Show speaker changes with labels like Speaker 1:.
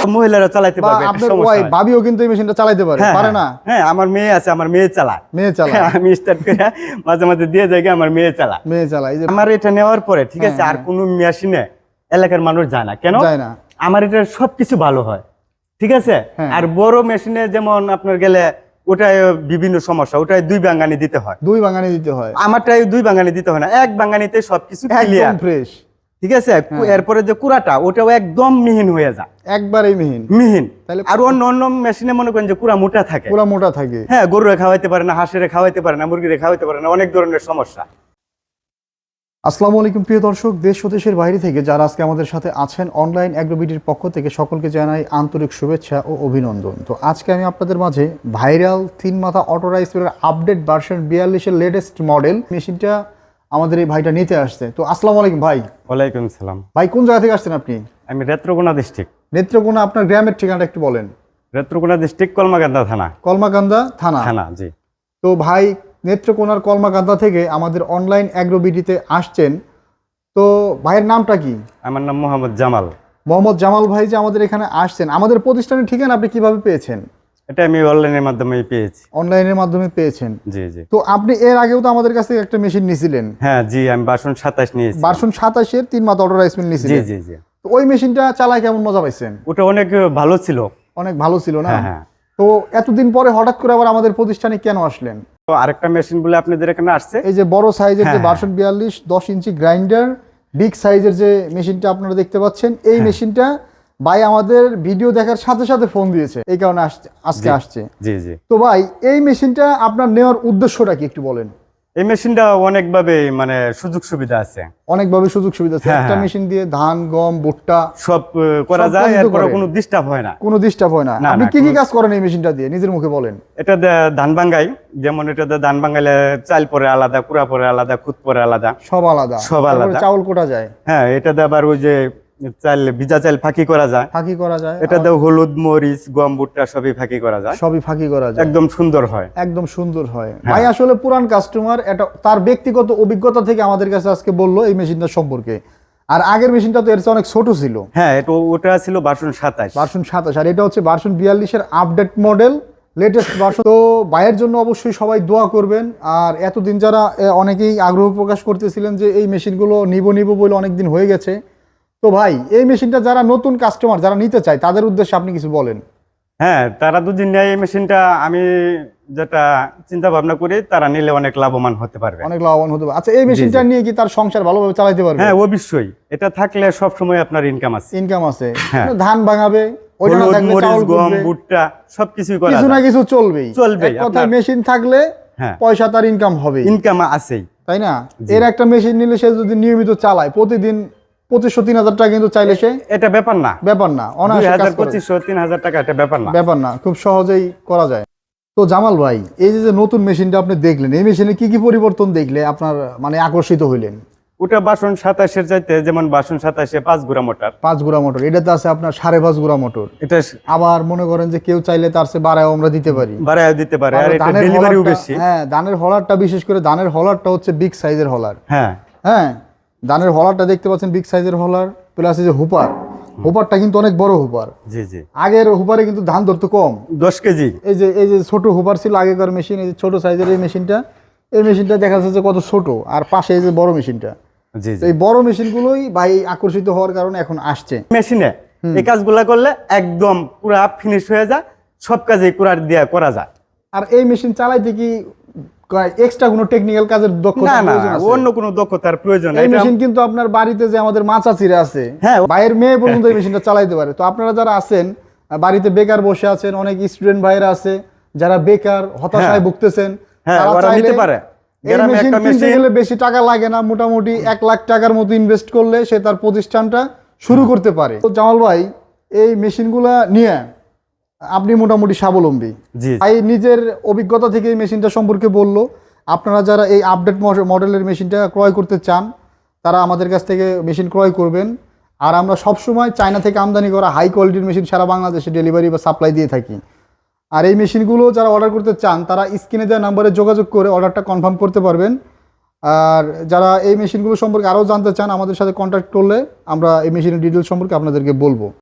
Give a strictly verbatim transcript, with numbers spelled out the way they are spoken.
Speaker 1: মহিলারা চালাতে পারবে,
Speaker 2: আপনার ওয়াইফ ভাবিও কিন্তু এই মেশিনটা চালাতে পারে, পারে না?
Speaker 1: হ্যাঁ, আমার মেয়ে আছে, আমার মেয়ে চালায়,
Speaker 2: মেয়ে চালায়।
Speaker 1: আমি স্টার্ট করে মাঝে মাঝে দিয়ে যাই, আমার মেয়ে চালায়,
Speaker 2: মেয়ে চালায়। এই যে
Speaker 1: আমার এটা নেওয়ার পরে ঠিক আছে, আর কোনো মেশিনে এলাকার মানুষ যায় না। কেন
Speaker 2: যায় না?
Speaker 1: আমার এটা সবকিছু ভালো হয়, ঠিক আছে। আর বড় মেশিনে যেমন আপনার গেলে ওটায় বিভিন্ন সমস্যা, ওটায় দুই বাঙ্গানি দিতে হয়,
Speaker 2: দুই বাঙ্গানি দিতে হয়।
Speaker 1: আমারটাই দুই বাঙ্গানি দিতে হয় না, এক বাঙ্গানিতে সবকিছু ক্লিয়ার,
Speaker 2: একদম ফ্রেশ,
Speaker 1: ঠিক আছে। এরপরে যে কুড়াটা, ওটাও একদম মিহিন হয়ে যায়,
Speaker 2: একবারেই মিহিন
Speaker 1: মিহিন। আর অন্য অন্য মেশিনে মনে করেন যে কুড়া মোটা থাকে,
Speaker 2: কুড়া মোটা থাকে,
Speaker 1: হ্যাঁ, গরুরে খাওয়াইতে পারে না, হাঁসেরে খাওয়াইতে পারে না, মুরগিরে খাওয়াইতে পারে না, অনেক ধরনের সমস্যা।
Speaker 2: আসসালামু আলাইকুম প্রিয় দর্শক, দেশ ও দেশের বাইরে থেকে যারা আজকে আমাদের সাথে আছেন অনলাইন অ্যাগ্রোবিডির পক্ষ থেকে সকলকে জানাই আন্তরিক শুভেচ্ছা ও অভিনন্দন। তো আজকে আমি আপনাদের মাঝে ভাইরাল তিন মাথা অটো রাইস মিলের আপডেট ভার্সন বিয়াল্লিশের লেটেস্ট মডেল মেশিনটা আমাদের এই ভাইটা নিতে আসছে। তো আসসালামু আলাইকুম ভাই।
Speaker 1: ওয়ালাইকুম সালাম।
Speaker 2: ভাই কোন জায়গা থেকে আসছেন আপনি?
Speaker 1: আমি নেত্রকোনা ডিস্ট্রিক্ট।
Speaker 2: নেত্রকোনা, আপনার গ্রামের ঠিকানাটা একটু বলেন।
Speaker 1: নেত্রকোনা ডিস্ট্রিক্ট, কলমাকান্দা থানা।
Speaker 2: কলমাকান্দা থানা
Speaker 1: থানা, জি।
Speaker 2: তো ভাই নেত্রকোনার কলমাকান্দা থেকে আমাদের অনলাইন অ্যাগ্রোবিডিতে আসছেন, তো ভাইয়ের নামটা কি?
Speaker 1: আমার নাম মোহাম্মদ জামাল।
Speaker 2: মোহাম্মদ জামাল ভাই যে আমাদের এখানে আসছেন, আমাদের প্রতিষ্ঠানের ঠিকানা আপনি কিভাবে পেয়েছেন?
Speaker 1: এটা আমি অনলাইনের মাধ্যমে পেয়েছি।
Speaker 2: অনলাইনের মাধ্যমে পেয়েছেন?
Speaker 1: জি জি।
Speaker 2: তো আপনি এর আগেও তো আমাদের কাছ থেকে একটা মেশিন নিয়েছিলেন।
Speaker 1: হ্যাঁ জি, আমি ভার্সন সাতাশ নিয়েছি।
Speaker 2: ভার্সন সাতাশ এর তিন মাথা অটো রাইস মিল নিয়েছিলেন?
Speaker 1: জি জি জি।
Speaker 2: তো ওই মেশিনটা চালায় কেমন মজা পাইছেন?
Speaker 1: ওটা অনেক ভালো ছিল।
Speaker 2: অনেক ভালো ছিল না?
Speaker 1: হ্যাঁ।
Speaker 2: তো এতদিন পরে হঠাৎ করে আবার আমাদের প্রতিষ্ঠানে কেন আসলেন?
Speaker 1: তো আরেকটা মেশিন বলে আপনাদের এখানে আসছে,
Speaker 2: এই যে বড় সাইজের যে ভার্সন বিয়াল্লিশ দশ ইঞ্চি গ্রাইন্ডার বিগ সাইজের যে মেশিনটা আপনারা দেখতে পাচ্ছেন, এই মেশিনটা ভাই আমাদের ভিডিও দেখার সাথে সাথে ফোন দিয়েছে, এই কারণে আজকে আসছে।
Speaker 1: জি জি।
Speaker 2: তো ভাই এই মেশিনটা আপনার নেওয়ার উদ্দেশ্যটা কি একটু বলেন?
Speaker 1: এই মেশিনটা অনেকভাবে মানে সুযোগ সুবিধা আছে,
Speaker 2: অনেকভাবে সুযোগ সুবিধা আছে। একটা মেশিন দিয়ে ধান, গম, ভুট্টা
Speaker 1: সব করা যায়, এরপর কোনো ডিস্টার্ব হয় না।
Speaker 2: কোনো ডিস্টার্ব হয় না। আপনি কি কি কাজ করেন এই মেশিনটা দিয়ে, নিজের মুখে বলেন।
Speaker 1: এটা ধান ভাঙ্গাই, যেমন এটা ধান ভাঙ্গাইলে চাল পরে আলাদা, কুড়া পরে আলাদা, খুদ পরে আলাদা,
Speaker 2: সব আলাদা,
Speaker 1: সব আলাদা।
Speaker 2: চাউল কোটা যায়।
Speaker 1: হ্যাঁ, এটা দিয়ে আবার ওই যে চাল, ভিজা চাল ফাঁকি করা যায়,
Speaker 2: ফাঁকি করা যায়।
Speaker 1: এটা দিয়ে হলুদ, মরিচ, গম, ভুট্টা সবই ফাঁকি করা যায়,
Speaker 2: সবই ফাঁকি করা যায়,
Speaker 1: একদম সুন্দর হয়,
Speaker 2: একদম সুন্দর হয়। ভাই আসলে পুরান কাস্টমার, এটা তার ব্যক্তিগত অভিজ্ঞতা থেকে আমাদের কাছে আজকে বললো এই মেশিনটা সম্পর্কে। আর আগের মেশিনটা তো এর চেয়ে অনেক ছোট ছিল।
Speaker 1: হ্যাঁ, এটা ওটা ছিল ভার্সন সাতাশ।
Speaker 2: ভার্সন সাতাশ, আর এটা হচ্ছে ভার্সন বিয়াল্লিশের আপডেট মডেল, লেটেস্ট ভার্সন। তো ভাইয়ের জন্য অবশ্যই সবাই দোয়া করবেন। আর এতদিন যারা অনেকেই আগ্রহ প্রকাশ করতেছিলেন যে এই মেশিনগুলো নিব নিব বলে অনেকদিন হয়ে গেছে, তো ভাই এই মেশিনটা যারা নতুন কাস্টমার যারা নিতে চায় তাদের উদ্দেশ্যে আপনি কিছু বলেন।
Speaker 1: হ্যাঁ, তারা যদি নেয় এই মেশিনটা, আমি যেটা চিন্তা ভাবনা করি, তারা নিলে অনেক লাভবান হতে পারবে,
Speaker 2: অনেক লাভবান হতে পারবে। আচ্ছা, এই মেশিনটা নিয়ে কি তার সংসার ভালোভাবে চালাতে পারবে?
Speaker 1: হ্যাঁ অবশ্যই, এটা থাকলে সব সময় আপনার ইনকাম আছে।
Speaker 2: ইনকাম আছে, ধান ভাঙাবে,
Speaker 1: ভুট্টা সবকিছুই করা,
Speaker 2: কিছু না কিছু চলবেই
Speaker 1: চলবে।
Speaker 2: কথায় মেশিন থাকলে পয়সা তার ইনকাম হবে,
Speaker 1: ইনকাম আছেই,
Speaker 2: তাই না? এর একটা মেশিন নিলে সে যদি নিয়মিত চালায় প্রতিদিন পঁচিশশো তিন হাজার টাকা কিন্তু চাইলে সে, এটা ব্যাপার না, ব্যাপার না
Speaker 1: পঁচিশশো তিন হাজার টাকা এটা ব্যাপার না,
Speaker 2: ব্যাপার না, খুব সহজেই করা যায়। তো জামাল ভাই, এই যে নতুন মেশিনটা আপনি দেখলেন, এই মেশিনে কি কি পরিবর্তন দেখলে আপনার মানে আকর্ষিত হইলেন?
Speaker 1: ওটা ভার্সন সাতাশের চাইতে, যেমন ভার্সন সাতাশে পাঁচ গুড়া মোটর,
Speaker 2: পাঁচ গুড়া মোটর, এটাতে আছে আপনার সাড়ে পাঁচ গুড়া মোটর।
Speaker 1: এটা
Speaker 2: আবার মনে করেন যে কেউ চাইলে তার চেয়ে বাড়ায় আমরা দিতে পারি,
Speaker 1: বাড়ায় দিতে পারে। আর এটা ডেলিভারিও বেশি।
Speaker 2: হ্যাঁ, ধানের হলারটা, বিশেষ করে ধানের হলারটা হচ্ছে বিগ সাইজের হলার।
Speaker 1: হ্যাঁ
Speaker 2: হ্যাঁ, ধানের হলারটা দেখতে পাচ্ছেন বিগ সাইজের হলার, প্লাস এই যে হুপার, হুপারটা কিন্তু অনেক বড় হুপার।
Speaker 1: জি জি।
Speaker 2: আগের হুপারে কিন্তু ধান ধরতো কম,
Speaker 1: দশ কেজি।
Speaker 2: এই যে এই যে ছোট হুপার ছিল আগেকার মেশিন, এই যে ছোট সাইজের এই মেশিনটা, এই মেশিনটা দেখা যাচ্ছে কত ছোট, আর পাশে এই যে বড় মেশিনটা।
Speaker 1: জি জি।
Speaker 2: এই বড় মেশিনগুলোই ভাই আকর্ষিত হওয়ার কারণে এখন আসছে।
Speaker 1: মেশিনে এই কাজগুলা করলে একদম পুরা ফিনিশ হয়ে যায়, সব কাজে কুড়ার দিয়ে করা যায়।
Speaker 2: আর এই মেশিন চালাইতে কি এক্সট্রা কোনো টেকনিক্যাল কাজের দক্ষতা প্রয়োজন আছে?
Speaker 1: অন্য কোনো দক্ষতার প্রয়োজন নেই।
Speaker 2: এই মেশিন কিন্তু আপনার বাড়িতে যে আমাদের মা চাচিরা আছে, হ্যাঁ, ভাইয়ের মেয়ে পর্যন্ত এই মেশিনটা চালাইতে পারে। তো আপনারা যারা আছেন বাড়িতে বেকার বসে আছেন, অনেক স্টুডেন্ট ভাইরা আছে যারা বেকার হতাশায় ভুগতেছেন, তারা নিতে পারে। এই মেশিন কিনতে গেলে বেশি টাকা লাগে না, মোটামুটি এক লাখ টাকার মতো ইনভেস্ট করলে সে তার প্রতিষ্ঠানটা শুরু করতে পারে। তো জামাল ভাই, এই মেশিনগুলা নিয়ে আপনি মোটামুটি স্বাবলম্বী। ভাই নিজের অভিজ্ঞতা থেকে এই মেশিনটা সম্পর্কে বললো। আপনারা যারা এই আপডেট মডেলের মেশিনটা ক্রয় করতে চান, তারা আমাদের কাছ থেকে মেশিন ক্রয় করবেন। আর আমরা সবসময় চায়না থেকে আমদানি করা হাই কোয়ালিটির মেশিন সারা বাংলাদেশে ডেলিভারি বা সাপ্লাই দিয়ে থাকি। আর এই মেশিনগুলো যারা অর্ডার করতে চান, তারা স্ক্রিনে দেওয়া নাম্বারে যোগাযোগ করে অর্ডারটা কনফার্ম করতে পারবেন। আর যারা এই মেশিনগুলো সম্পর্কে আরও জানতে চান, আমাদের সাথে কন্ট্যাক্ট করলে আমরা এই মেশিনের ডিটেলস সম্পর্কে আপনাদেরকে বলবো।